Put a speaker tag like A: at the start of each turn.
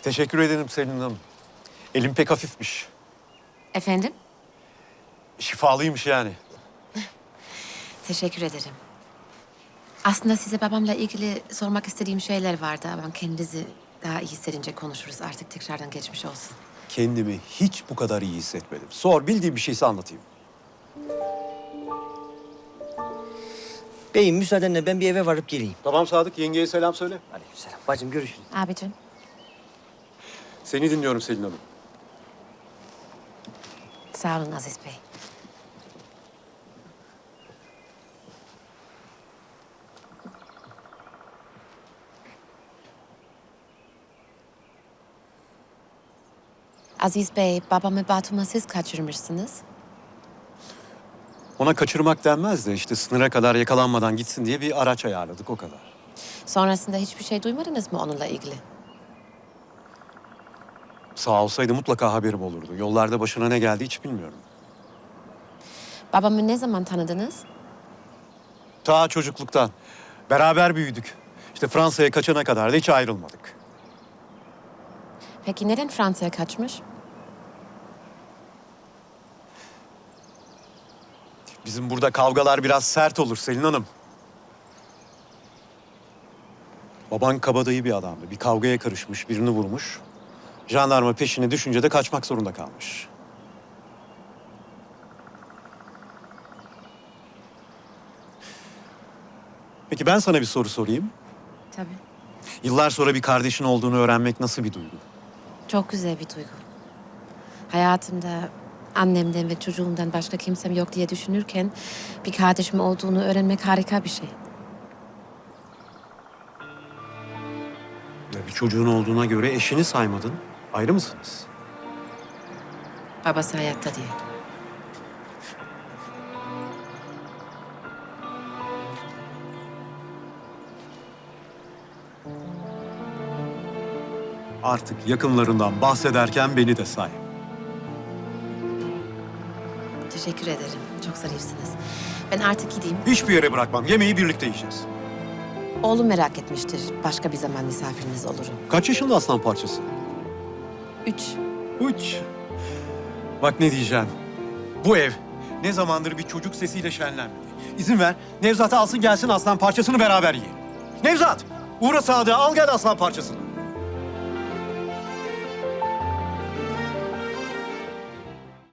A: Teşekkür ederim Selin Hanım. Elim pek hafifmiş.
B: Efendim?
A: Şifalıymış yani.
B: Teşekkür ederim. Aslında size babamla ilgili sormak istediğim şeyler vardı ama kendinizi daha iyi hissedince konuşuruz. Artık tekrardan geçmiş olsun.
A: Kendimi hiç bu kadar iyi hissetmedim. Sor, bildiğim bir şeyse anlatayım.
C: Beyim müsaadenle ben bir eve varıp geleyim.
A: Tamam Sadık, yengeye selam söyle.
C: Aleykümselam. Bacım görüşürüz.
B: Abicim.
A: Seni dinliyorum Selin Hanım.
B: Sağ olun Aziz Bey. Aziz Bey, babamı Batum'a siz kaçırmışsınız.
A: Ona kaçırmak denmez de işte sınıra kadar yakalanmadan gitsin diye bir araç ayarladık, o kadar.
B: Sonrasında hiçbir şey duymadınız mı onunla ilgili?
A: Sağ olsaydı mutlaka haberim olurdu. Yollarda başına ne geldi hiç bilmiyorum.
B: Babamı ne zaman tanıdınız?
A: Ta çocukluktan. Beraber büyüdük. İşte Fransa'ya kaçana kadar da hiç ayrılmadık.
B: Peki neden Fransa'ya kaçmış?
A: Bizim burada kavgalar biraz sert olur Selin Hanım. Baban kabadayı bir adamdı. Bir kavgaya karışmış, birini vurmuş. Jandarma peşine düşünce de kaçmak zorunda kalmış. Peki ben sana bir soru sorayım.
B: Tabii.
A: Yıllar sonra bir kardeşin olduğunu öğrenmek nasıl bir duygu?
B: Çok güzel bir duygu. Hayatımda annemden ve çocuğumdan başka kimsem yok diye düşünürken bir kardeşim olduğunu öğrenmek harika bir şey.
A: Ya bir çocuğun olduğuna göre eşini saymadın. Ayrı mısınız?
B: Babası hayatta diye.
A: Artık yakınlarından bahsederken beni de say.
B: Teşekkür ederim. Çok zarifsiniz. Ben artık gideyim.
A: Hiçbir yere bırakmam. Yemeği birlikte yiyeceğiz.
B: Oğlum merak etmiştir. Başka bir zaman misafiriniz olurum.
A: Kaç yaşında aslan parçası?
B: 3.
A: Uç. Bak ne diyeceğim. Bu ev ne zamandır bir çocuk sesiyle şenlenmedi. İzin ver, Nevzat'ı alsın gelsin aslan parçasını beraber yiyelim. Nevzat, uğra Sadık'a al gel aslan parçasını.